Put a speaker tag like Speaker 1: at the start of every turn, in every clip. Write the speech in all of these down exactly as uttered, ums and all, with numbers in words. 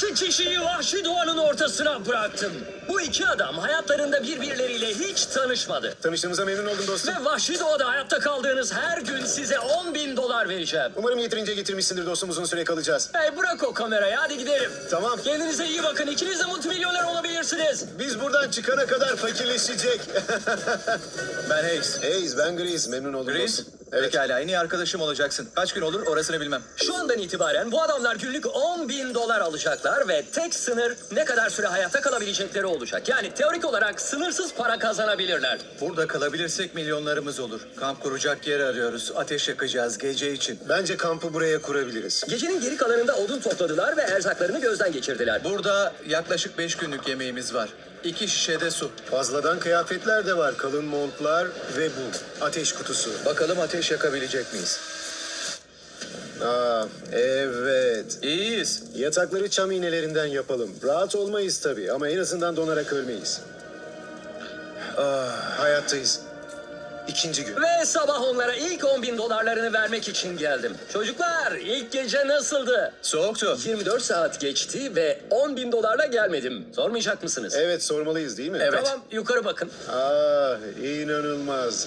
Speaker 1: İki kişiyi vahşi doğanın ortasına bıraktım. Bu iki adam hayatlarında birbirleriyle hiç tanışmadı.
Speaker 2: Tanıştığımıza memnun oldum dostum.
Speaker 1: Ve vahşi doğada hayatta kaldığınız her gün size on bin dolar vereceğim.
Speaker 2: Umarım yeterince getirmişsindir dostum, uzun süre kalacağız.
Speaker 1: Hey bırak o kamerayı, hadi gidelim.
Speaker 2: Tamam.
Speaker 1: Kendinize iyi bakın, ikiniz de multimilyoner olabilirsiniz.
Speaker 2: Biz buradan çıkana kadar fakirleşecek.
Speaker 3: Ben Hayes.
Speaker 2: Hayes, ben Grease. Memnun oldum
Speaker 3: Grease?
Speaker 2: dostum. Evet.
Speaker 3: Pekala, en iyi arkadaşım olacaksın. Kaç gün olur orasını bilmem.
Speaker 1: Şu andan itibaren bu adamlar günlük on bin dolar alacaklar ve tek sınır ne kadar süre hayatta kalabilecekleri olacak. Yani teorik olarak sınırsız para kazanabilirler.
Speaker 3: Burada kalabilirsek milyonlarımız olur. Kamp kuracak yer arıyoruz. Ateş yakacağız gece için.
Speaker 2: Bence kampı buraya kurabiliriz.
Speaker 1: Gecenin geri kalanında odun topladılar ve erzaklarını gözden geçirdiler.
Speaker 3: Burada yaklaşık beş günlük yemeğimiz var. İki şişe de su.
Speaker 2: Fazladan kıyafetler de var. Kalın montlar ve bu. Ateş kutusu.
Speaker 3: Bakalım ateş yakabilecek miyiz?
Speaker 2: Aa, evet.
Speaker 3: İyiyiz.
Speaker 2: Yatakları çam iğnelerinden yapalım. Rahat olmayız tabii ama en azından donarak ölmeyiz. Ah, hayattayız. İkinci gün.
Speaker 1: Ve sabah onlara ilk on bin dolarlarını vermek için geldim. Çocuklar, ilk gece nasıldı?
Speaker 3: Soğuktu.
Speaker 1: yirmi dört saat geçti ve on bin dolarla gelmedim. Sormayacak mısınız?
Speaker 2: Evet, sormalıyız değil mi?
Speaker 3: Evet.
Speaker 1: Tamam, yukarı bakın.
Speaker 2: Ah, inanılmaz.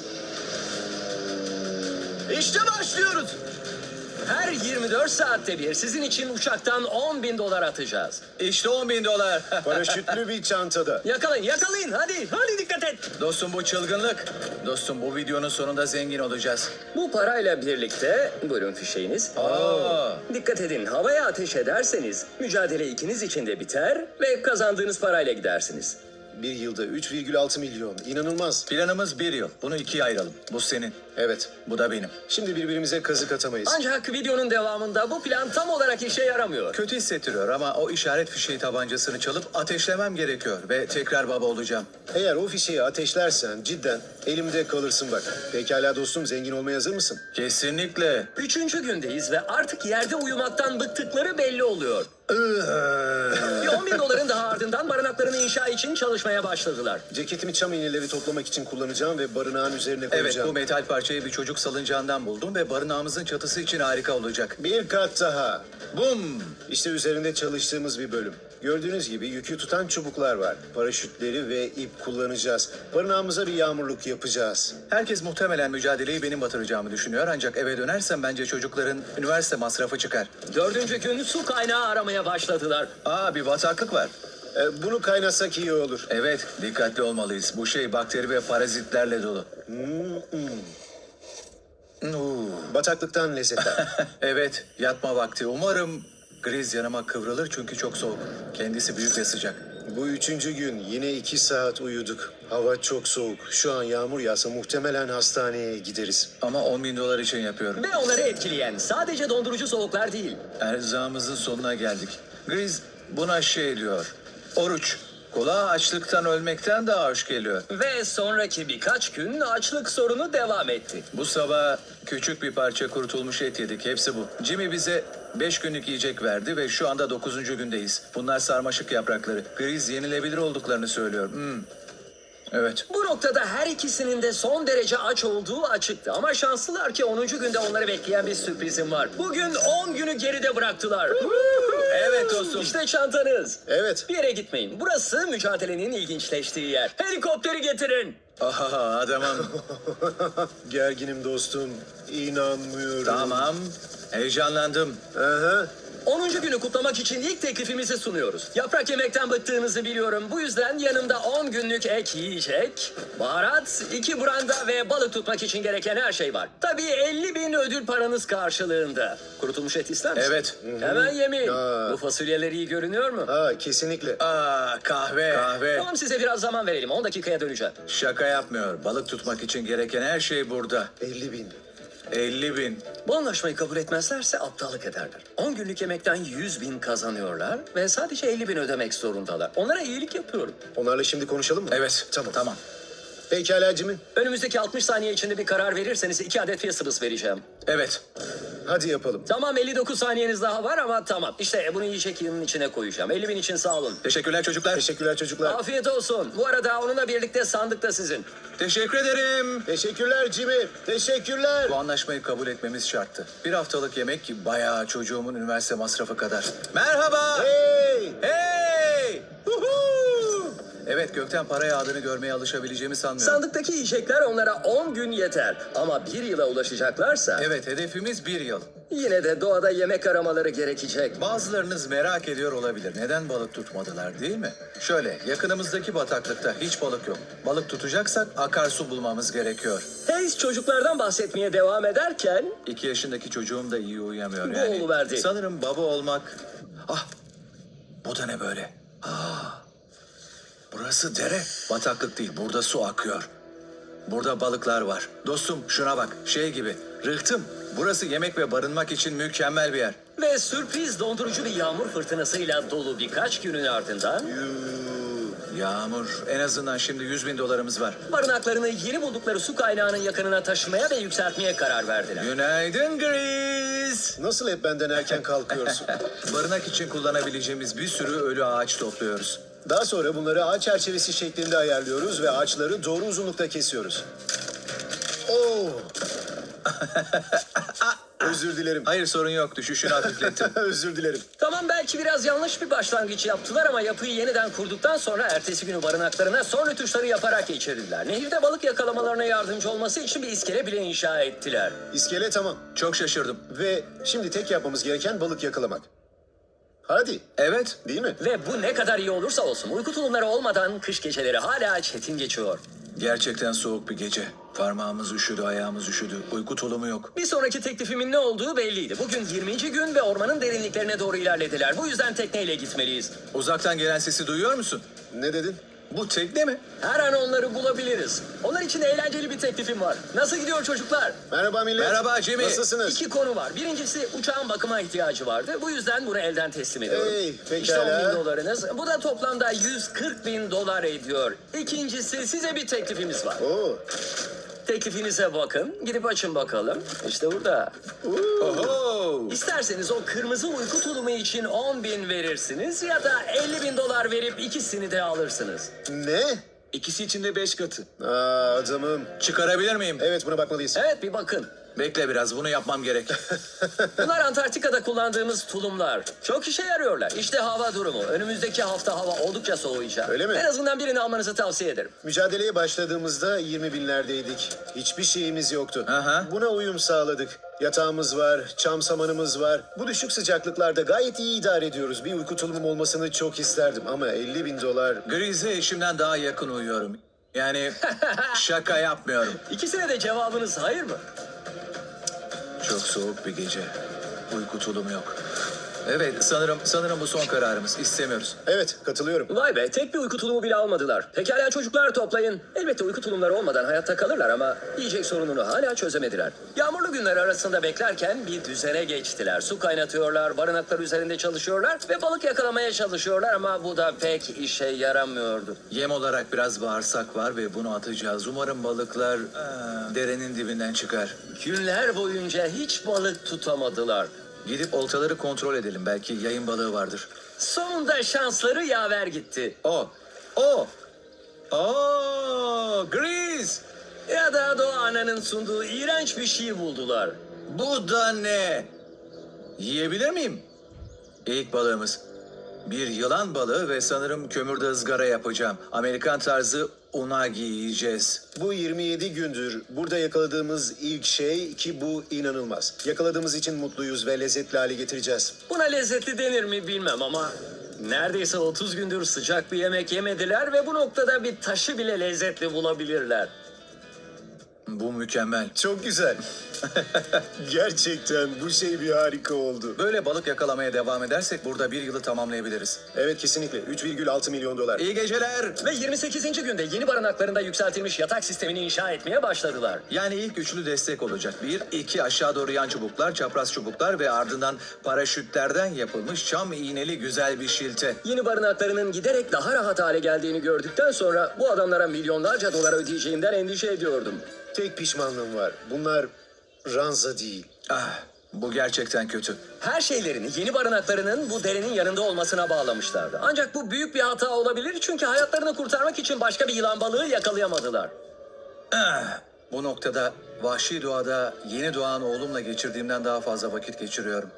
Speaker 1: İşte başlıyoruz. Her yirmi dört saatte bir sizin için uçaktan on bin dolar atacağız.
Speaker 3: İşte on bin dolar.
Speaker 2: Paraşütlü bir çantada.
Speaker 1: Yakalayın, yakalayın. Hadi, hadi dikkat et.
Speaker 3: Dostum bu çılgınlık. Dostum bu videonun sonunda zengin olacağız.
Speaker 1: Bu parayla birlikte, buyurun fişeğiniz.
Speaker 3: Aa.
Speaker 1: Dikkat edin, havaya ateş ederseniz mücadele ikiniz için de biter ve kazandığınız parayla gidersiniz.
Speaker 2: Bir yılda üç virgül altı milyon. İnanılmaz.
Speaker 3: Planımız bir yıl. Bunu ikiye ayıralım. Bu senin.
Speaker 2: Evet.
Speaker 3: Bu da benim.
Speaker 2: Şimdi birbirimize kazık atamayız.
Speaker 1: Ancak videonun devamında bu plan tam olarak işe yaramıyor.
Speaker 3: Kötü hissettiriyor ama o işaret fişeği tabancasını çalıp ateşlemem gerekiyor ve tekrar baba olacağım.
Speaker 2: Eğer o fişeği ateşlersen cidden elimde kalırsın bak. Pekala dostum, zengin olmaya hazır mısın?
Speaker 3: Kesinlikle.
Speaker 1: Üçüncü gündeyiz ve artık yerde uyumaktan bıktıkları belli oluyor. Bir on bin doların daha ardından barınaklarını inşa için çalışmaya başladılar.
Speaker 2: Ceketimi çam iğneleri toplamak için kullanacağım ve barınağın üzerine
Speaker 3: Evet,
Speaker 2: koyacağım.
Speaker 3: bu metal parçayı bir çocuk salıncağından buldum ve barınağımızın çatısı için harika olacak.
Speaker 2: Bir kat daha.
Speaker 3: Bum!
Speaker 2: İşte üzerinde çalıştığımız bir bölüm. Gördüğünüz gibi yükü tutan çubuklar var. Paraşütleri ve ip kullanacağız. Barınağımıza bir yağmurluk yapacağız.
Speaker 3: Herkes muhtemelen mücadeleyi benim batıracağımı düşünüyor ancak eve dönersem bence çocukların üniversite masrafı çıkar.
Speaker 1: Dördüncü gün su kaynağı aramaya başladılar.
Speaker 3: Aa, bir bataklık var.
Speaker 2: Ee, bunu kaynatsak iyi olur.
Speaker 3: Evet, dikkatli olmalıyız. Bu şey bakteri ve parazitlerle dolu. Oo.
Speaker 2: Bataklıktan lezzetler.
Speaker 3: Evet, yatma vakti. Umarım Griz yanıma kıvrılır çünkü çok soğuk. Kendisi büyük ve sıcak.
Speaker 2: Bu üçüncü gün yine iki saat uyuduk. Hava çok soğuk. Şu an yağmur yağsa muhtemelen hastaneye gideriz.
Speaker 3: Ama on bin dolar için yapıyorum.
Speaker 1: Ve onları etkileyen sadece dondurucu soğuklar değil.
Speaker 3: Erzağımızın sonuna geldik. Griz buna şey diyor. Oruç. Kulağa açlıktan ölmekten daha hoş geliyor.
Speaker 1: Ve sonraki birkaç gün açlık sorunu devam etti.
Speaker 3: Bu sabah küçük bir parça kurutulmuş et yedik. Hepsi bu. Jimmy bize beş günlük yiyecek verdi ve şu anda dokuzuncu gündeyiz. Bunlar sarmaşık yaprakları. Griz yenilebilir olduklarını söylüyor. Hmm. Evet.
Speaker 1: Bu noktada her ikisinin de son derece aç olduğu açıktı. Ama şanslılar ki onuncu günde onları bekleyen bir sürprizim var. Bugün on günü geride bıraktılar.
Speaker 3: Evet dostum.
Speaker 1: İşte çantanız.
Speaker 2: Evet.
Speaker 1: Bir yere gitmeyin. Burası mücadelenin ilginçleştiği yer. Helikopteri getirin.
Speaker 3: Aha, adamım.
Speaker 2: Gerginim dostum. İnanmıyorum.
Speaker 3: Tamam. Heyecanlandım.
Speaker 2: Aha.
Speaker 1: onuncu günü kutlamak için ilk teklifimizi sunuyoruz. Yaprak yemekten bıktığınızı biliyorum. Bu yüzden yanımda on günlük ek yiyecek, baharat, iki branda ve balık tutmak için gereken her şey var. Tabii elli bin ödül paranız karşılığında. Kurutulmuş et ister misin?
Speaker 3: Evet.
Speaker 1: Hemen yemeyin.
Speaker 2: Aa.
Speaker 1: Bu fasulyeler iyi görünüyor mu?
Speaker 2: Ha, kesinlikle.
Speaker 3: Aa, kahve. Kahve.
Speaker 1: Tamam, size biraz zaman verelim. on dakikaya döneceğim.
Speaker 3: Şaka yapmıyor. Balık tutmak için gereken her şey burada.
Speaker 2: elli bin.
Speaker 3: elli bin.
Speaker 1: Bu anlaşmayı kabul etmezlerse aptallık ederler. on günlük yemekten yüz bin kazanıyorlar ve sadece elli bin ödemek zorundalar. Onlara iyilik yapıyorum.
Speaker 2: Onlarla şimdi konuşalım mı?
Speaker 3: Evet.
Speaker 2: Tamam.
Speaker 3: Tamam.
Speaker 2: Pekala Jimmy.
Speaker 1: Önümüzdeki altmış saniye içinde bir karar verirseniz iki adet Fiestabas vereceğim.
Speaker 3: Evet.
Speaker 2: Hadi yapalım.
Speaker 1: Tamam, elli dokuz saniyeniz daha var ama tamam. İşte bunu yiyecek yığının içine koyacağım. elli bin için sağ olun.
Speaker 3: Teşekkürler çocuklar.
Speaker 2: Teşekkürler çocuklar.
Speaker 1: Afiyet olsun. Bu arada onunla birlikte sandık da sizin.
Speaker 3: Teşekkür ederim.
Speaker 2: Teşekkürler Jimmy. Teşekkürler.
Speaker 3: Bu anlaşmayı kabul etmemiz şarttı. Bir haftalık yemek bayağı çocuğumun üniversite masrafı kadar. Merhaba.
Speaker 2: Hey!
Speaker 3: Evet, gökten para yağdığını görmeye alışabileceğimi sanmıyorum.
Speaker 1: Sandıktaki yiyecekler onlara on gün yeter. Ama bir yıla ulaşacaklarsa
Speaker 3: Evet, hedefimiz bir yıl.
Speaker 1: yine de doğada yemek aramaları gerekecek.
Speaker 3: Bazılarınız merak ediyor olabilir. Neden balık tutmadılar, değil mi? Şöyle, yakınımızdaki bataklıkta hiç balık yok. Balık tutacaksak akarsu bulmamız gerekiyor.
Speaker 1: Hayes çocuklardan bahsetmeye devam ederken
Speaker 3: İki yaşındaki çocuğum da iyi uyuyamıyor
Speaker 1: Bu
Speaker 3: yani.
Speaker 1: oluverdi.
Speaker 3: Sanırım baba olmak... Ah, bu da ne böyle? Ah, burası dere. Bataklık değil, burada su akıyor. Burada balıklar var. Dostum şuna bak, şey gibi. Rıhtım, burası yemek ve barınmak için mükemmel bir yer.
Speaker 1: ve sürpriz dondurucu bir yağmur fırtınasıyla dolu birkaç günün ardından
Speaker 3: Yağmur, en azından şimdi yüz bin dolarımız var.
Speaker 1: barınaklarını yeni buldukları su kaynağının yakınına taşımaya ve yükseltmeye karar verdiler.
Speaker 3: Günaydın Gris.
Speaker 2: Nasıl hep benden erken kalkıyorsun?
Speaker 3: Barınak için kullanabileceğimiz bir sürü ölü ağaç topluyoruz.
Speaker 2: Daha sonra bunları ağaç çerçevesi şeklinde ayarlıyoruz ve ağaçları doğru uzunlukta kesiyoruz. Oo. Özür dilerim.
Speaker 3: Hayır, sorun yok, düşüşünü hafiflettim.
Speaker 2: Özür dilerim.
Speaker 1: Tamam, belki biraz yanlış bir başlangıç yaptılar ama yapıyı yeniden kurduktan sonra ertesi günü barınaklarına son rötuşları yaparak geçirdiler. Nehirde balık yakalamalarına yardımcı olması için bir iskele bile inşa ettiler.
Speaker 2: İskele tamam.
Speaker 3: Çok şaşırdım.
Speaker 2: Ve şimdi tek yapmamız gereken balık yakalamak. Hadi,
Speaker 3: Evet,
Speaker 2: değil mi?
Speaker 1: Ve bu ne kadar iyi olursa olsun uyku tulumları olmadan kış geceleri hala çetin geçiyor.
Speaker 3: gerçekten soğuk bir gece. Parmağımız üşüdü, ayağımız üşüdü. Uyku tulumu yok.
Speaker 1: Bir sonraki teklifimin ne olduğu belliydi. Bugün yirminci gün ve ormanın derinliklerine doğru ilerlediler. Bu yüzden tekneyle gitmeliyiz.
Speaker 3: Uzaktan gelen sesi duyuyor musun?
Speaker 2: Ne dedin?
Speaker 3: Bu tekne mi?
Speaker 1: Her an onları bulabiliriz. Onlar için eğlenceli bir teklifim var. Nasıl gidiyor çocuklar?
Speaker 2: Merhaba millet.
Speaker 3: Merhaba Jimmy.
Speaker 2: Nasılsınız?
Speaker 1: İki konu var. Birincisi uçağın bakıma ihtiyacı vardı. Bu yüzden bunu elden teslim ediyorum.
Speaker 2: Hey, pekala.
Speaker 1: İşte on bin dolarınız. Bu da toplamda yüz kırk bin dolar ediyor. İkincisi size bir teklifimiz var.
Speaker 2: Oo.
Speaker 1: Teklifinize bakın. Gidip açın bakalım. İşte burada.
Speaker 3: Oho!
Speaker 1: İsterseniz o kırmızı uyku tulumu için on bin verirsiniz ya da elli bin dolar verip ikisini de alırsınız.
Speaker 2: Ne?
Speaker 3: İkisi için de beş katı.
Speaker 2: Aa, adamım.
Speaker 3: Çıkarabilir miyim?
Speaker 2: Evet, buna bakmalıyız.
Speaker 1: Evet, bir bakın.
Speaker 3: Bekle biraz, bunu yapmam gerek.
Speaker 1: Bunlar Antarktika'da kullandığımız tulumlar. Çok işe yarıyorlar. İşte hava durumu. Önümüzdeki hafta hava oldukça soğuyacak.
Speaker 2: Öyle mi?
Speaker 1: En azından birini almanızı tavsiye ederim.
Speaker 2: Mücadeleye başladığımızda yirmi binlerdeydik. Hiçbir şeyimiz yoktu.
Speaker 3: Aha.
Speaker 2: Buna uyum sağladık. Yatağımız var, çam samanımız var. Bu düşük sıcaklıklarda gayet iyi idare ediyoruz. Bir uyku tulumum olmasını çok isterdim ama elli bin dolar...
Speaker 3: Gris'e eşimden daha yakın uyuyorum. Yani şaka yapmıyorum.
Speaker 1: İkisine de cevabınız hayır mı?
Speaker 3: Çok soğuk bir gece. Uyku tulumu yok. Evet, sanırım sanırım bu son kararımız. İstemiyoruz.
Speaker 2: Evet, katılıyorum.
Speaker 1: Vay be, tek bir uyku tulumu bile almadılar. Pekala çocuklar, toplayın. Elbette uyku tulumları olmadan hayatta kalırlar ama yiyecek sorununu hala çözemediler. Yağmurlu günler arasında beklerken bir düzene geçtiler. Su kaynatıyorlar, barınaklar üzerinde çalışıyorlar ve balık yakalamaya çalışıyorlar ama bu da pek işe yaramıyordu.
Speaker 3: Yem olarak biraz bağırsak var ve bunu atacağız. Umarım balıklar aa, derenin dibinden çıkar.
Speaker 1: Günler boyunca hiç balık tutamadılar.
Speaker 3: Gidip oltaları kontrol edelim. Belki yayın balığı vardır.
Speaker 1: Sonunda şansları yaver gitti.
Speaker 3: O, o, o, Gris.
Speaker 1: Ya da Doğa Ana'nın sunduğu iğrenç bir şey buldular.
Speaker 3: Bu da ne? Yiyebilir miyim? İlk balığımız. Bir yılan balığı ve sanırım kömürde ızgara yapacağım. Amerikan tarzı unagi yiyeceğiz.
Speaker 2: Bu yirmi yedi gündür burada yakaladığımız ilk şey ki bu inanılmaz. Yakaladığımız için mutluyuz ve lezzetli hale getireceğiz.
Speaker 1: Buna lezzetli denir mi bilmem ama neredeyse otuz gündür sıcak bir yemek yemediler ve bu noktada bir taşı bile lezzetli bulabilirler.
Speaker 3: Bu mükemmel.
Speaker 2: Çok güzel. Gerçekten bu şey bir harika oldu.
Speaker 3: Böyle balık yakalamaya devam edersek burada bir yılı tamamlayabiliriz.
Speaker 2: Evet, kesinlikle. üç virgül altı milyon dolar.
Speaker 3: İyi geceler.
Speaker 1: Ve yirmi sekizinci günde yeni barınaklarında yükseltilmiş yatak sistemini inşa etmeye başladılar.
Speaker 3: Yani ilk üçlü destek olacak. Bir, iki aşağı doğru yan çubuklar, çapraz çubuklar ve ardından paraşütlerden yapılmış çam iğneli güzel bir şilte.
Speaker 1: Yeni barınaklarının giderek daha rahat hale geldiğini gördükten sonra bu adamlara milyonlarca dolar ödeyeceğimden endişe ediyordum.
Speaker 2: Tek pişmanlığım var. Bunlar ranza değil.
Speaker 3: Ah, bu gerçekten kötü.
Speaker 1: Her şeylerini yeni barınaklarının bu derenin yanında olmasına bağlamışlardı. Ancak bu büyük bir hata olabilir çünkü hayatlarını kurtarmak için başka bir yılan balığı yakalayamadılar.
Speaker 3: Ah, bu noktada vahşi doğada yeni doğan oğlumla geçirdiğimden daha fazla vakit geçiriyorum.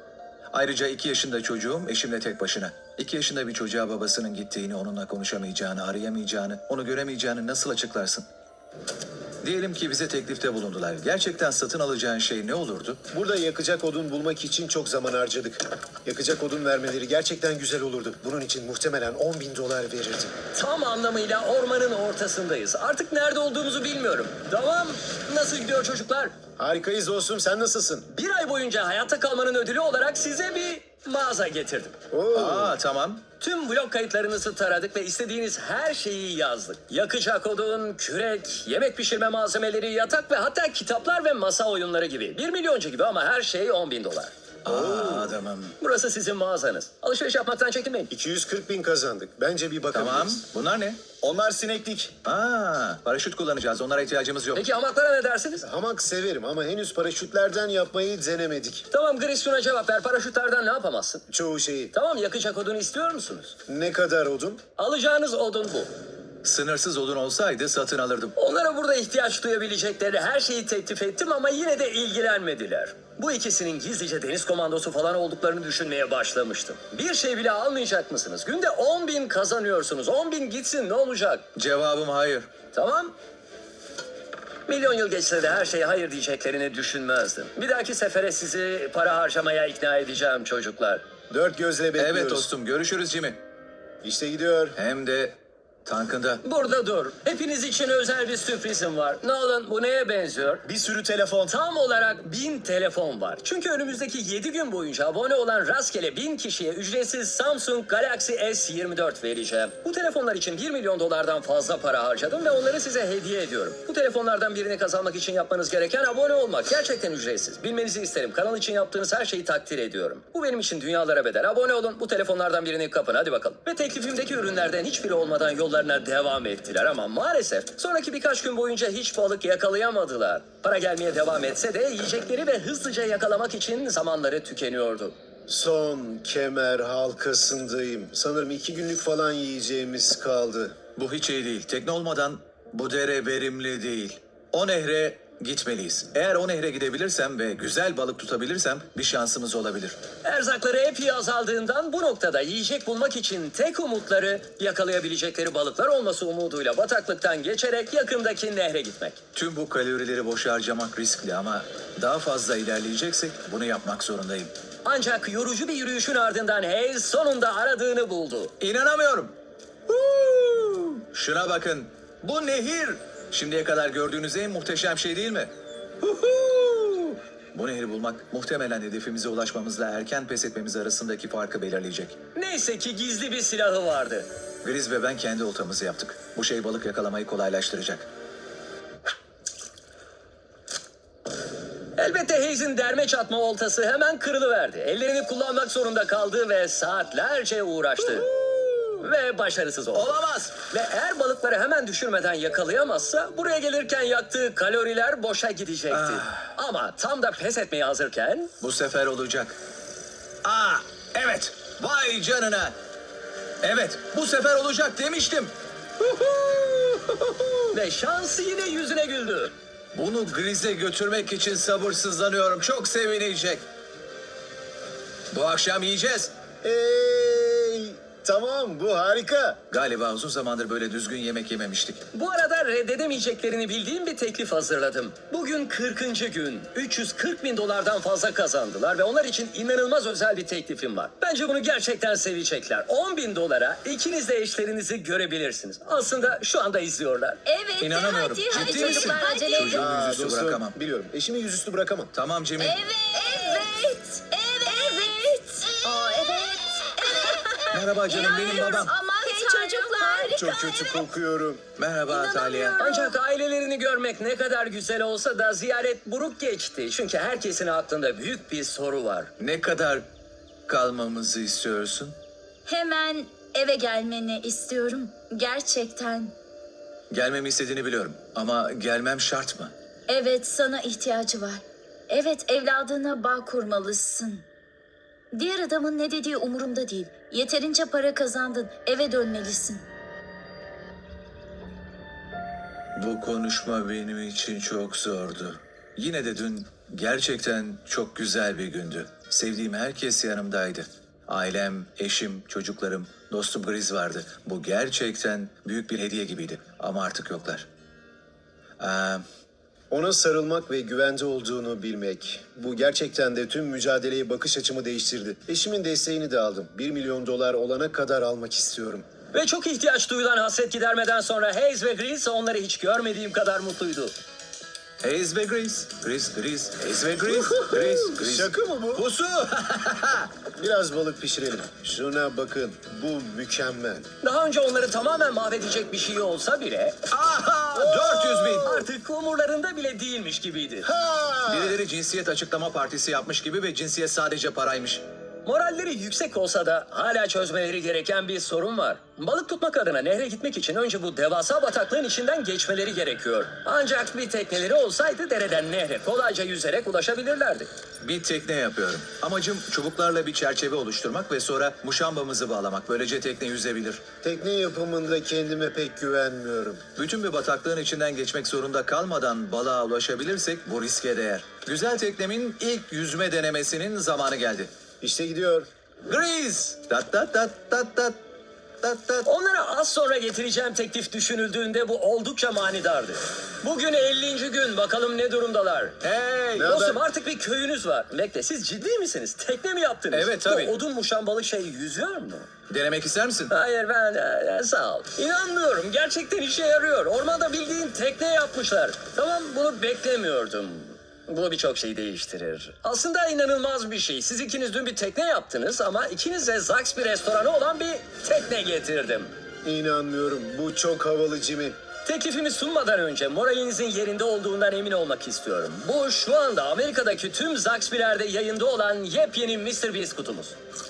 Speaker 3: Ayrıca iki yaşında çocuğum eşimle tek başına. İki yaşında bir çocuğa babasının gittiğini, onunla konuşamayacağını, arayamayacağını, onu göremeyeceğini nasıl açıklarsın? Diyelim ki bize teklifte bulundular. Gerçekten satın alacağın şey ne olurdu?
Speaker 2: Burada yakacak odun bulmak için çok zaman harcadık. Yakacak odun vermeleri gerçekten güzel olurdu. Bunun için muhtemelen on bin dolar verirdim.
Speaker 1: Tam anlamıyla ormanın ortasındayız. Artık nerede olduğumuzu bilmiyorum. Tamam. Nasıl gidiyor çocuklar?
Speaker 2: Harikayız dostum, sen nasılsın?
Speaker 1: Bir ay boyunca hayatta kalmanın ödülü olarak size bir mağaza getirdim.
Speaker 2: Oo.
Speaker 3: Aa tamam.
Speaker 1: Tüm blog kayıtlarınızı taradık ve istediğiniz her şeyi yazdık. Yakacak odun, kürek, yemek pişirme malzemeleri, yatak ve hatta kitaplar ve masa oyunları gibi. Bir milyoncu gibi ama her şey on bin dolar.
Speaker 3: Aa adamım.
Speaker 1: Burası sizin mağazanız. Alışveriş yapmaktan çekinmeyin.
Speaker 2: iki yüz kırk bin kazandık. Bence bir bakabiliriz.
Speaker 3: Tamam. Bunlar ne?
Speaker 2: Onlar sineklik.
Speaker 3: Aa paraşüt kullanacağız. Onlara ihtiyacımız yok.
Speaker 1: Peki hamaklara ne dersiniz?
Speaker 2: Hamak severim ama henüz paraşütlerden yapmayı denemedik.
Speaker 1: Tamam Gris şuna cevap ver. Paraşütlerden ne yapamazsın?
Speaker 2: Çoğu şeyi.
Speaker 1: Tamam yakacak odun istiyor musunuz?
Speaker 2: Ne kadar odun?
Speaker 1: Alacağınız odun bu.
Speaker 3: Sınırsız odun olsaydı satın alırdım.
Speaker 1: Onlara burada ihtiyaç duyabilecekleri her şeyi teklif ettim ama yine de ilgilenmediler. Bu ikisinin gizlice deniz komandosu falan olduklarını düşünmeye başlamıştım. Bir şey bile almayacak mısınız? Günde on bin kazanıyorsunuz. on bin gitsin ne olacak?
Speaker 3: Cevabım hayır.
Speaker 1: Tamam. Milyon yıl geçse de her şeye hayır diyeceklerini düşünmezdim. Bir dahaki sefere sizi para harcamaya ikna edeceğim çocuklar.
Speaker 2: Dört gözle bekliyoruz.
Speaker 3: Evet dostum görüşürüz Jimmy.
Speaker 2: İşte gidiyor.
Speaker 3: Hem de tankında.
Speaker 1: Burada dur. Hepiniz için özel bir sürprizim var. Nolan bu neye benziyor?
Speaker 2: Bir sürü telefon.
Speaker 1: Tam olarak bin telefon var. Çünkü önümüzdeki yedi gün boyunca abone olan rastgele bin kişiye ücretsiz Samsung Galaxy S yirmi dört vereceğim. Bu telefonlar için bir milyon dolardan fazla para harcadım ve onları size hediye ediyorum. Bu telefonlardan birini kazanmak için yapmanız gereken abone olmak. Gerçekten ücretsiz. Bilmenizi isterim. Kanal için yaptığınız her şeyi takdir ediyorum. Bu benim için dünyalara bedel. Abone olun. Bu telefonlardan birini kapın. Hadi bakalım. Ve teklifimdeki ürünlerden hiçbiri olmadan yollarına devam ettiler ama maalesef sonraki birkaç gün boyunca hiç balık yakalayamadılar. Para gelmeye devam etse de yiyecekleri ve hızlıca yakalamak için zamanları tükeniyordu.
Speaker 2: Son kemer halkasındayım. Sanırım iki günlük falan yiyeceğimiz kaldı.
Speaker 3: Bu hiç iyi değil. Tekne olmadan bu dere verimli değil. O nehre gitmeliyiz. Eğer o nehre gidebilirsem ve güzel balık tutabilirsem bir şansımız olabilir.
Speaker 1: Erzakları epey azaldığından bu noktada yiyecek bulmak için tek umutları yakalayabilecekleri balıklar olması umuduyla bataklıktan geçerek yakındaki nehre gitmek.
Speaker 3: Tüm bu kalorileri boşa harcamak riskli ama daha fazla ilerleyeceksek bunu yapmak zorundayım.
Speaker 1: Ancak yorucu bir yürüyüşün ardından Hayes sonunda aradığını buldu.
Speaker 3: İnanamıyorum. Huu! Şuna bakın. Bu nehir. Şimdiye kadar gördüğünüz en muhteşem şey değil mi? Huhu! Bu nehri bulmak muhtemelen hedefimize ulaşmamızla erken pes etmemiz arasındaki farkı belirleyecek.
Speaker 1: Neyse ki gizli bir silahı vardı.
Speaker 3: Griz ve ben kendi oltamızı yaptık. Bu şey balık yakalamayı kolaylaştıracak.
Speaker 1: Elbette Hayes'in derme çatma oltası hemen kırılıverdi. Ellerini kullanmak zorunda kaldı ve saatlerce uğraştı. Ve başarısız oldu.
Speaker 3: Olamaz.
Speaker 1: Ve eğer balıkları hemen düşürmeden yakalayamazsa buraya gelirken yaktığı kaloriler boşa gidecekti. Ama tam da pes etmeye hazırken
Speaker 3: Bu sefer olacak. Aa, evet. Vay canına. Evet, bu sefer olacak demiştim.
Speaker 1: ve şans yine yüzüne güldü.
Speaker 3: Bunu Griz'e götürmek için sabırsızlanıyorum. Çok sevinecek. Bu akşam yiyeceğiz.
Speaker 2: Hey, tamam bu harika.
Speaker 3: Galiba uzun zamandır böyle düzgün yemek yememiştik.
Speaker 1: Bu arada reddedemeyeceklerini bildiğim bir teklif hazırladım. Bugün kırkıncı gün. üç yüz kırk bin dolardan fazla kazandılar ve onlar için inanılmaz özel bir teklifim var. Bence bunu gerçekten sevecekler. on bin dolara ikiniz de eşlerinizi görebilirsiniz. Aslında şu anda izliyorlar.
Speaker 4: Evet.
Speaker 3: İnanamıyorum.
Speaker 4: Hadi, hadi
Speaker 3: Ciddi misin?
Speaker 4: çocuklar acele edin.
Speaker 3: Çocuğumu
Speaker 2: Aa,
Speaker 3: yüzüstü
Speaker 2: dostum,
Speaker 3: bırakamam.
Speaker 2: biliyorum. Eşimi yüzüstü bırakamam.
Speaker 3: Tamam Jimmy.
Speaker 4: Evet. Evet. Evet. Evet. Aa, evet. Evet.
Speaker 3: Merhaba canım, benim
Speaker 4: İnanmıyorum.
Speaker 3: babam.
Speaker 4: Aman hey çocuklar. Harika.
Speaker 2: Çok kötü kokuyorum.
Speaker 3: Merhaba Talia.
Speaker 1: Ancak ailelerini görmek ne kadar güzel olsa da ziyaret buruk geçti. Çünkü herkesin aklında büyük bir soru var.
Speaker 3: Ne kadar kalmamızı istiyorsun?
Speaker 4: Hemen eve gelmeni istiyorum. Gerçekten.
Speaker 3: Gelmemi istediğini biliyorum ama gelmem şart mı?
Speaker 4: Evet, sana ihtiyacı var. Evet, evladına bağ kurmalısın. Diğer adamın ne dediği umurumda değil. Yeterince para kazandın. Eve dönmelisin.
Speaker 3: Bu konuşma benim için çok zordu. Yine de dün gerçekten çok güzel bir gündü. Sevdiğim herkes yanımdaydı. Ailem, eşim, çocuklarım, dostum Griz vardı. Bu gerçekten büyük bir hediye gibiydi. Ama artık yoklar. Ee,
Speaker 2: Ona sarılmak ve güvende olduğunu bilmek. Bu gerçekten de tüm mücadeleye bakış açımı değiştirdi. Eşimin desteğini de aldım. Bir milyon dolar olana kadar almak istiyorum.
Speaker 1: Ve çok ihtiyaç duyulan hasret gidermeden sonra Hayes ve Grease onları hiç görmediğim kadar mutluydu.
Speaker 3: Hayes ve Griz, Griz, Griz, Hayes ve Griz, Griz, Griz.
Speaker 2: Şaka mı bu?
Speaker 3: Pusu!
Speaker 2: Biraz balık pişirelim. Şuna bakın. Bu mükemmel.
Speaker 1: Daha önce onları tamamen mahvedecek bir şey olsa bile
Speaker 3: Aha! dört yüz bin!
Speaker 1: artık umurlarında bile değilmiş gibiydi.
Speaker 2: Ha!
Speaker 3: Birileri cinsiyet açıklama partisi yapmış gibi ve cinsiyet sadece paraymış.
Speaker 1: Moralleri yüksek olsa da hala çözmeleri gereken bir sorun var. Balık tutmak adına nehre gitmek için önce bu devasa bataklığın içinden geçmeleri gerekiyor. Ancak bir tekneleri olsaydı dereden nehre kolayca yüzerek ulaşabilirlerdi.
Speaker 3: Bir tekne yapıyorum. Amacım çubuklarla bir çerçeve oluşturmak ve sonra muşambamızı bağlamak. Böylece tekne yüzebilir.
Speaker 2: Tekne yapımında kendime pek güvenmiyorum.
Speaker 3: Bütün bir bataklığın içinden geçmek zorunda kalmadan balığa ulaşabilirsek bu riske değer. Güzel teknemin ilk yüzme denemesinin zamanı geldi.
Speaker 2: İşte gidiyor.
Speaker 3: Grease! Tat tat tat tat tat tat tat.
Speaker 1: Onlara az sonra getireceğim teklif düşünüldüğünde bu oldukça manidardı. Bugün ellinci gün, bakalım ne durumdalar.
Speaker 3: Hey!
Speaker 2: Ne
Speaker 1: Dostum
Speaker 2: haber?
Speaker 1: artık bir köyünüz var. Bekle, siz ciddi misiniz? Tekne mi yaptınız?
Speaker 3: Evet, tabii.
Speaker 1: Bu odun muşambalı şey yüzüyor mu?
Speaker 3: Denemek ister misin?
Speaker 1: Hayır ben e, sağ ol. İnanmıyorum, gerçekten işe yarıyor. Ormanda bildiğin tekne yapmışlar. Tamam, bunu beklemiyordum. Bu birçok şeyi değiştirir. Aslında inanılmaz bir şey. Siz ikiniz dün bir tekne yaptınız ama ikiniz de Zaxby restoranı olan bir tekne getirdim.
Speaker 2: İnanmıyorum. Bu çok havalı Jimmy.
Speaker 1: Teklifimi sunmadan önce moralinizin yerinde olduğundan emin olmak istiyorum. Bu şu anda Amerika'daki tüm Zaxby'lerde yayında olan yepyeni mister Beast kutumuz.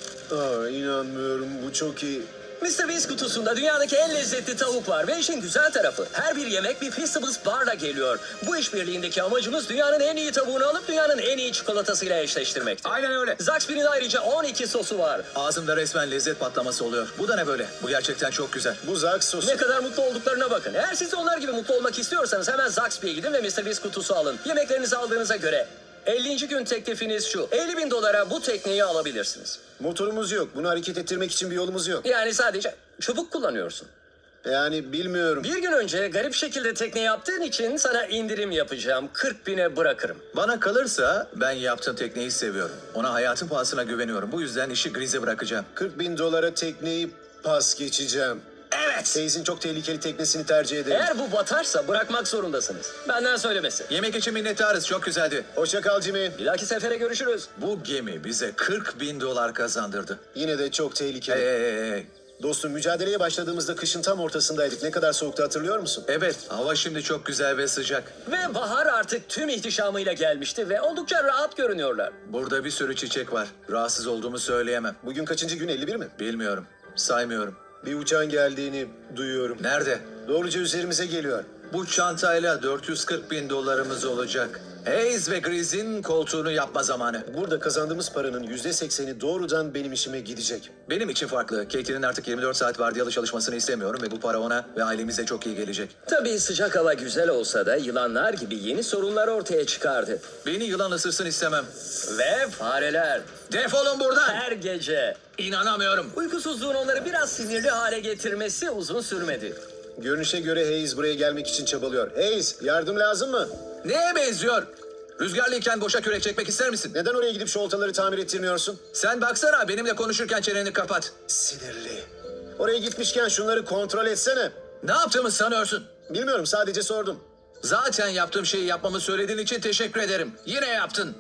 Speaker 2: Aa, inanmıyorum. Bu çok iyi.
Speaker 1: mister Beast kutusunda dünyadaki en lezzetli tavuk var ve işin güzel tarafı her bir yemek bir Feastables barla geliyor. Bu işbirliğindeki amacımız dünyanın en iyi tavuğunu alıp dünyanın en iyi çikolatasıyla eşleştirmektir.
Speaker 3: Aynen öyle.
Speaker 1: Zaxby'nin ayrıca on iki sosu var.
Speaker 3: Ağzımda resmen lezzet patlaması oluyor. Bu da ne böyle? Bu gerçekten çok güzel.
Speaker 2: Bu Zax sosu.
Speaker 1: Ne kadar mutlu olduklarına bakın. Eğer siz de onlar gibi mutlu olmak istiyorsanız hemen Zaxby'ye gidin ve mister Beast kutusu alın. Yemeklerinizi aldığınıza göre ellinci gün teklifiniz şu. elli bin dolara bu tekneyi alabilirsiniz.
Speaker 2: Motorumuz yok. Bunu hareket ettirmek için bir yolumuz yok.
Speaker 1: Yani sadece çubuk kullanıyorsun.
Speaker 2: Yani bilmiyorum.
Speaker 1: Bir gün önce garip şekilde tekne yaptığın için sana indirim yapacağım. kırk bine bırakırım.
Speaker 3: Bana kalırsa ben yaptığım tekneyi seviyorum. Ona hayatın pahasına güveniyorum. Bu yüzden işi Grize bırakacağım.
Speaker 2: kırk bin dolara tekneyi pas geçeceğim.
Speaker 1: Evet.
Speaker 2: Teyzin çok tehlikeli teknesini tercih ederim.
Speaker 1: Eğer bu batarsa bırakmak zorundasınız. Benden söylemesi.
Speaker 3: Yemek için minnettarız. Çok güzeldi.
Speaker 2: Hoşça kal Jimmy.
Speaker 1: Bir dahaki sefere görüşürüz.
Speaker 3: Bu gemi bize kırk bin dolar kazandırdı.
Speaker 2: Yine de çok tehlikeli.
Speaker 3: Hey, hey, hey, hey.
Speaker 2: Dostum mücadeleye başladığımızda kışın tam ortasındaydık. Ne kadar soğuktu hatırlıyor musun?
Speaker 3: Evet, hava şimdi çok güzel ve sıcak.
Speaker 1: Ve bahar artık tüm ihtişamıyla gelmişti ve oldukça rahat görünüyorlar.
Speaker 3: Burada bir sürü çiçek var. Rahatsız olduğumu söyleyemem.
Speaker 2: Bugün kaçıncı gün? elli bir mi?
Speaker 3: Bilmiyorum. Saymıyorum.
Speaker 2: Bir uçağın geldiğini duyuyorum.
Speaker 3: Nerede?
Speaker 2: Doğruca üzerimize geliyor.
Speaker 3: Bu çantayla dört yüz kırk bin dolarımız olacak. Hayes ve Grizz'in koltuğunu yapma zamanı.
Speaker 2: Burada kazandığımız paranın yüzde sekseni doğrudan benim işime gidecek.
Speaker 3: Benim için farklı. Katie'nin artık yirmi dört saat vardiyalı çalışmasını istemiyorum ve bu para ona ve ailemize çok iyi gelecek.
Speaker 1: Tabii sıcak hava güzel olsa da yılanlar gibi yeni sorunlar ortaya çıkardı.
Speaker 3: Beni yılan ısırsın istemem.
Speaker 1: Ve fareler.
Speaker 3: Defolun buradan.
Speaker 1: Her gece.
Speaker 3: İnanamıyorum.
Speaker 1: Uykusuzluğun onları biraz sinirli hale getirmesi uzun sürmedi.
Speaker 2: Görünüşe göre Hayes buraya gelmek için çabalıyor. Hayes, yardım lazım mı?
Speaker 3: Neye benziyor? Rüzgarlıyken boşa kürek çekmek ister misin?
Speaker 2: Neden oraya gidip şu oltaları tamir ettirmiyorsun?
Speaker 3: Sen baksana, benimle konuşurken çeneni kapat.
Speaker 2: Sinirli. Oraya gitmişken şunları kontrol etsene.
Speaker 3: Ne yaptığımı sanıyorsun?
Speaker 2: Bilmiyorum, sadece sordum.
Speaker 3: Zaten yaptığım şeyi yapmamı söylediğin için teşekkür ederim. Yine yaptın.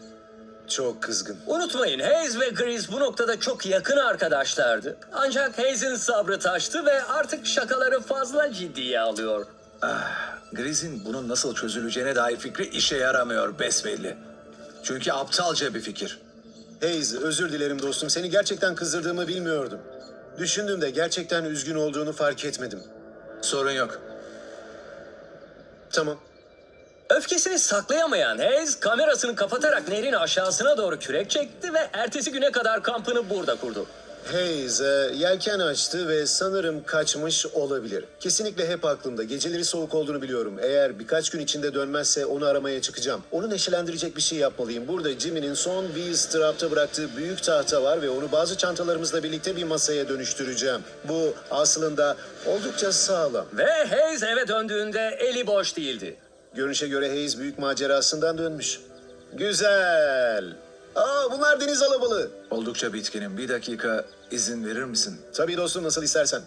Speaker 2: Çok kızgın.
Speaker 1: Unutmayın Hayes ve Grease bu noktada çok yakın arkadaşlardı. Ancak Hayes'in sabrı taştı ve artık şakaları fazla ciddiye alıyor.
Speaker 3: Grizz'in bunun nasıl çözüleceğine dair fikri işe yaramıyor besbelli. Çünkü aptalca bir fikir.
Speaker 2: Hayes, özür dilerim dostum. Seni gerçekten kızdırdığımı bilmiyordum. Düşündüğümde gerçekten üzgün olduğunu fark etmedim.
Speaker 3: Sorun yok.
Speaker 2: Tamam.
Speaker 1: Öfkesini saklayamayan Hayes kamerasını kapatarak nehrin aşağısına doğru kürek çekti ve ertesi güne kadar kampını burada kurdu.
Speaker 2: Hayes e, yelken açtı ve sanırım kaçmış olabilir. Kesinlikle hep aklımda. Geceleri soğuk olduğunu biliyorum. Eğer birkaç gün içinde dönmezse onu aramaya çıkacağım. Onu neşelendirecek bir şey yapmalıyım. Burada Jimmy'nin son Wheelstrap'ta bıraktığı büyük tahta var ve onu bazı çantalarımızla birlikte bir masaya dönüştüreceğim. Bu aslında oldukça sağlam.
Speaker 1: Ve Hayes eve döndüğünde eli boş değildi.
Speaker 2: Görünüşe göre Hayes büyük macerasından dönmüş. Güzel. Aa, bunlar deniz alabalığı.
Speaker 3: Oldukça bitkinim. Bir dakika izin verir misin?
Speaker 2: Tabii dostum, nasıl istersen.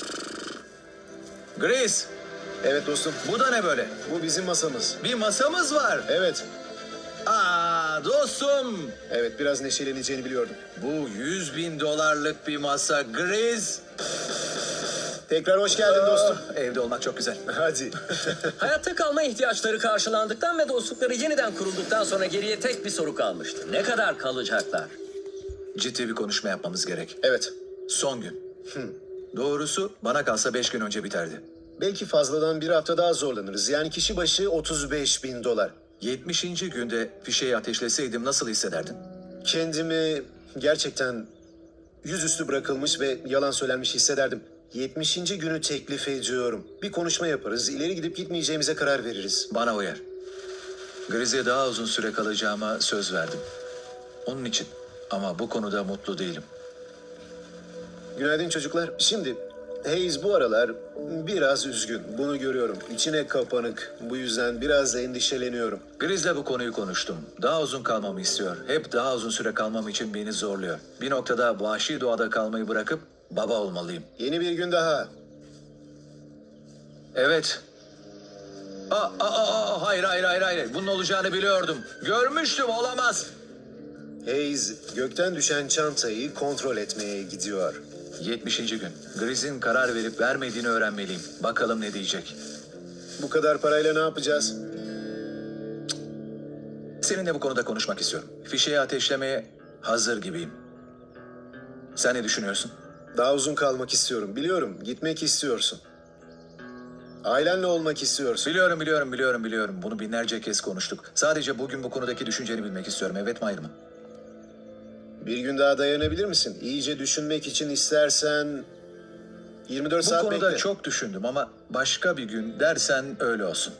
Speaker 3: Grace,
Speaker 2: Evet dostum,
Speaker 3: bu da ne böyle?
Speaker 2: bu bizim masamız.
Speaker 3: Bir masamız var.
Speaker 2: Evet,
Speaker 3: Aa dostum.
Speaker 2: evet biraz neşeleneceğini biliyordum.
Speaker 3: Bu yüz bin dolarlık bir masa Grace.
Speaker 2: Tekrar hoş geldin dostum.
Speaker 3: Evde olmak çok güzel.
Speaker 2: Hadi.
Speaker 1: Hayatta kalma ihtiyaçları karşılandıktan ve dostlukları yeniden kurulduktan sonra geriye tek bir soru kalmıştı. Ne kadar kalacaklar?
Speaker 3: Ciddi bir konuşma yapmamız gerek.
Speaker 2: Evet,
Speaker 3: Son gün. Doğrusu bana kalsa beş gün önce biterdi.
Speaker 2: belki fazladan bir hafta daha zorlanırız. Yani kişi başı otuz beş bin dolar.
Speaker 3: yetmişinci günde fişeği ateşleseydim nasıl hissederdin?
Speaker 2: Kendimi gerçekten yüzüstü bırakılmış ve yalan söylenmiş hissederdim. yetmişinci günü teklif ediyorum. Bir konuşma yaparız, ileri gidip gitmeyeceğimize karar veririz.
Speaker 3: Bana uyar. Grizz'e daha uzun süre kalacağıma söz verdim. Onun için. Ama bu konuda mutlu değilim.
Speaker 2: Günaydın çocuklar. Şimdi Hayes bu aralar biraz üzgün. Bunu görüyorum. İçine kapanık. Bu yüzden biraz endişeleniyorum.
Speaker 3: Grizz'le bu konuyu konuştum. Daha uzun kalmamı istiyor. Hep daha uzun süre kalmam için beni zorluyor. Bir noktada vahşi doğada kalmayı bırakıp baba olmalıyım.
Speaker 2: Yeni bir gün daha.
Speaker 3: Evet. Aa, aa, aa, aa, hayır hayır hayır hayır. Bunun olacağını biliyordum. Görmüştüm, olamaz.
Speaker 2: Hayes gökten düşen çantayı kontrol etmeye gidiyor.
Speaker 3: yetmişinci gün. Grizz'in karar verip vermediğini öğrenmeliyim. Bakalım ne diyecek.
Speaker 2: Bu kadar parayla ne yapacağız?
Speaker 3: Seninle bu konuda konuşmak istiyorum. Fişeği ateşlemeye hazır gibiyim. Sen ne düşünüyorsun?
Speaker 2: Daha uzun kalmak istiyorum. Biliyorum, gitmek istiyorsun. Ailenle olmak istiyorsun.
Speaker 3: Biliyorum, biliyorum, biliyorum, biliyorum. Bunu binlerce kez konuştuk. Sadece bugün bu konudaki düşünceni bilmek istiyorum. Evet mi, hayır mı?
Speaker 2: Bir gün daha dayanabilir misin? İyice düşünmek için istersen yirmi dört
Speaker 3: Bu
Speaker 2: saat
Speaker 3: konuda
Speaker 2: bekle.
Speaker 3: çok düşündüm ama başka bir gün dersen öyle olsun.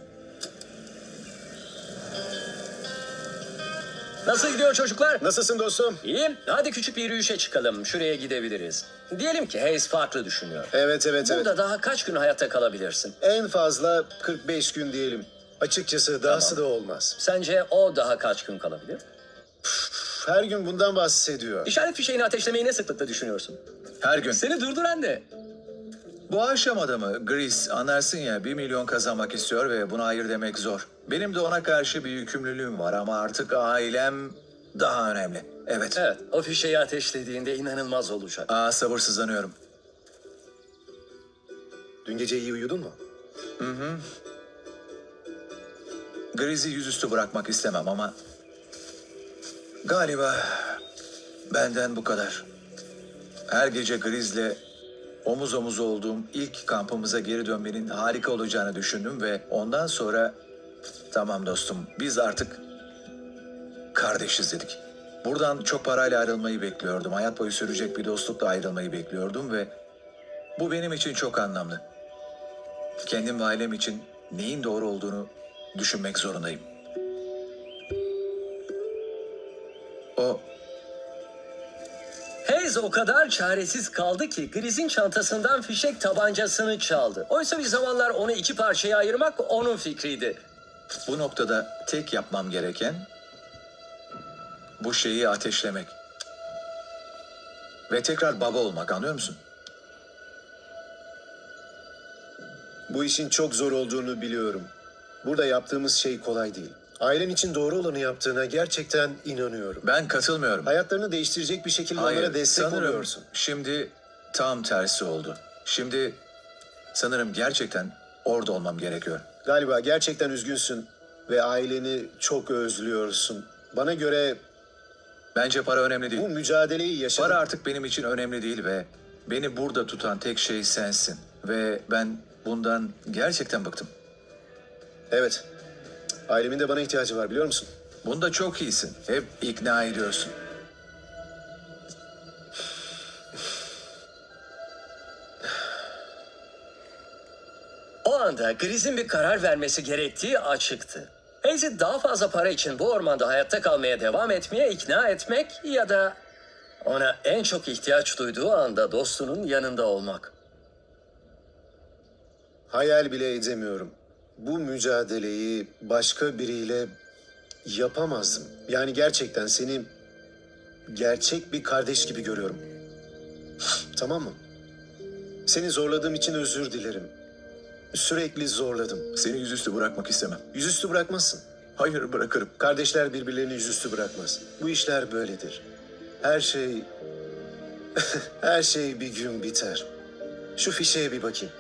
Speaker 1: Nasıl gidiyor çocuklar?
Speaker 2: Nasılsın dostum?
Speaker 1: İyiyim. Hadi küçük bir yürüyüşe çıkalım. Şuraya gidebiliriz. Diyelim ki Hayes farklı düşünüyor.
Speaker 2: Evet, evet, evet.
Speaker 1: Burada daha kaç gün hayatta kalabilirsin?
Speaker 2: En fazla kırk beş gün diyelim. Açıkçası dahası da olmaz.
Speaker 1: Sence o daha kaç gün kalabilir?
Speaker 2: Her gün bundan bahsediyor.
Speaker 1: İşaret fişeğini ateşlemeyi ne sıklıkla düşünüyorsun?
Speaker 3: Her gün.
Speaker 1: Seni durduran ne?
Speaker 3: Bu aşamada mı Gris, anlarsın ya, bir milyon kazanmak istiyor ve buna hayır demek zor. Benim de ona karşı bir yükümlülüğüm var ama artık ailem daha önemli. Evet.
Speaker 1: Evet, o fişeği ateşlediğinde inanılmaz olacak.
Speaker 3: Aa, sabırsızlanıyorum.
Speaker 2: Dün gece iyi uyudun mu?
Speaker 3: Gris'i yüzüstü bırakmak istemem ama galiba benden bu kadar. Her gece Gris'le omuz omuz olduğum ilk kampımıza geri dönmenin harika olacağını düşündüm ve ondan sonra tamam dostum, biz artık kardeşiz dedik. Buradan çok parayla ayrılmayı bekliyordum. Hayat boyu sürecek bir dostlukla ayrılmayı bekliyordum ve bu benim için çok anlamlı. Kendim ve ailem için neyin doğru olduğunu düşünmek zorundayım. O
Speaker 1: Hayes o kadar çaresiz kaldı ki Gris'in çantasından fişek tabancasını çaldı. Oysa bir zamanlar onu iki parçaya ayırmak onun fikriydi.
Speaker 3: bu noktada tek yapmam gereken bu şeyi ateşlemek. Ve tekrar baba olmak, anlıyor musun?
Speaker 2: Bu işin çok zor olduğunu biliyorum. Burada yaptığımız şey kolay değil. Ailen için doğru olanı yaptığına gerçekten inanıyorum.
Speaker 3: Ben katılmıyorum.
Speaker 2: Hayatlarını değiştirecek bir şekilde onlara destek
Speaker 3: sanırım
Speaker 2: oluyorsun.
Speaker 3: şimdi tam tersi oldu. Şimdi sanırım gerçekten orada olmam gerekiyor.
Speaker 2: Galiba gerçekten üzgünsün ve aileni çok özlüyorsun. Bana göre
Speaker 3: Bence para önemli değil.
Speaker 2: bu mücadeleyi yaşadın.
Speaker 3: Para artık benim için önemli değil ve beni burada tutan tek şey sensin. Ve ben bundan gerçekten bıktım.
Speaker 2: Evet. Ailemin de bana ihtiyacı var, biliyor musun?
Speaker 3: Bunda çok iyisin. Hep ikna ediyorsun.
Speaker 1: anda Griz'in bir karar vermesi gerektiği açıktı. Hayes'i daha fazla para için bu ormanda hayatta kalmaya devam etmeye ikna etmek ya da ona en çok ihtiyaç duyduğu anda dostunun yanında olmak.
Speaker 2: Hayal bile edemiyorum. Bu mücadeleyi başka biriyle yapamazdım. Yani gerçekten seni gerçek bir kardeş gibi görüyorum. Tamam mı? Seni zorladığım için özür dilerim. Sürekli zorladım.
Speaker 5: Seni yüzüstü bırakmak istemem.
Speaker 2: Yüzüstü bırakmazsın.
Speaker 5: Hayır, bırakırım.
Speaker 2: Kardeşler birbirlerini yüzüstü bırakmaz. Bu işler böyledir. Her şey... Her şey bir gün biter. Şu fişeye bir bakayım.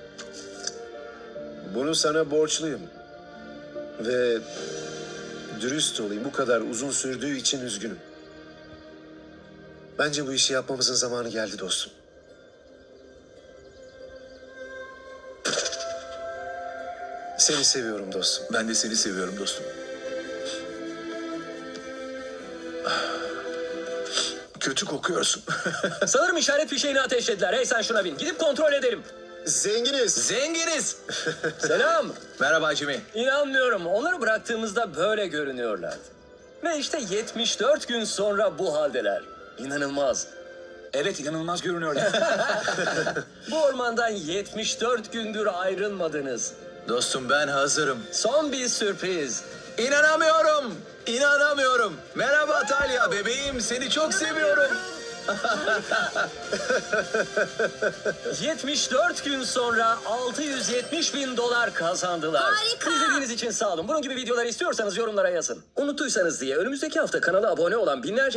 Speaker 2: Bunu sana borçluyum. Ve dürüst olayım. Bu kadar uzun sürdüğü için üzgünüm. Bence bu işi yapmamızın zamanı geldi dostum. Seni seviyorum dostum.
Speaker 5: Ben de seni seviyorum dostum. Kötü kokuyorsun.
Speaker 1: Sanırım işaret fişeğini ateşlediler. Hey sen şuna bin. Gidip kontrol edelim.
Speaker 2: Zenginiz.
Speaker 3: Zenginiz.
Speaker 1: Selam.
Speaker 3: Merhaba Jimmy.
Speaker 1: İnanmıyorum. Onları bıraktığımızda böyle görünüyorlardı. Ve işte yetmiş dört gün sonra bu haldeler. İnanılmaz.
Speaker 3: Evet, inanılmaz görünüyorlar.
Speaker 1: Bu ormandan yetmiş dört gündür ayrılmadınız.
Speaker 3: Dostum, ben hazırım.
Speaker 1: Son bir sürpriz.
Speaker 3: İnanamıyorum. İnanamıyorum. Merhaba Talya bebeğim, seni çok seviyorum.
Speaker 1: yetmiş dört gün sonra altı yüz yetmiş bin dolar kazandılar.
Speaker 4: Harika.
Speaker 1: İzlediğiniz için sağ olun. Bunun gibi videolar istiyorsanız yorumlara yazın. Unuttuysanız diye önümüzdeki hafta kanala abone olan binlerce